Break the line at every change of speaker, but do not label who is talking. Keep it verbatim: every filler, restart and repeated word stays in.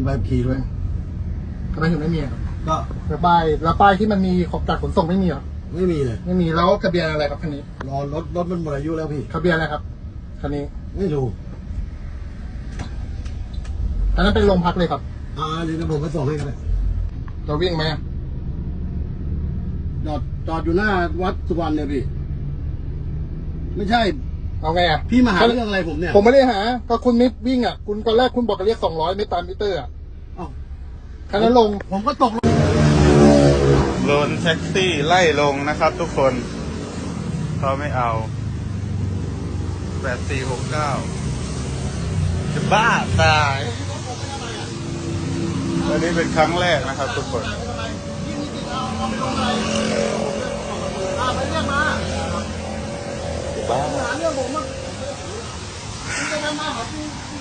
ใบขับขี่ด้วย
ทำไมถึงไม่มีครับ
ก็
แล้วป้ายแล้วป้ายที่มันมีของจากขนส่งไม่มีเหรอ
ไม่มีเลย
ไม่มีแล้วทะเบียนอะไรครับคันนี้
รอรถรถมันหมดอายุแล้วพี่
ทะเบียนอะไรครับคันนี้
ไม่รู้
อันนั้นเป็นโรงพักเลยครับ
อ่าเดี๋ยวผมไปส่งให้กันเลย
เราวิ่งไหม
จอดจอดอยู่หน้าวัดสุวรรณเนี่ยพี่ไม่ใช่
เอาไงอ่ะ
พี่มาหาเรื่องอะไรผมเนี่ย
ผมไม่ได้หาก็คุณมิดวิ่งอ่ะคุณตอนแรกคุณบอกจะเรียกสองร้อยไม่ตามมิเตอร์อ่ะ
อ้าว
คันนั้นลง
ผมก็ตกลง
โดนแท็กซี่ไล่ลงนะครับทุกคนเขาไม่เอาแปดสี่หกเก้าจะบ้าตายอันนี้เป็นครั้งแรกนะครับทุกคน
ไปเรียกมา
บ้า
หาเรื่องผมอ่ะคุณจะมาหาคุณ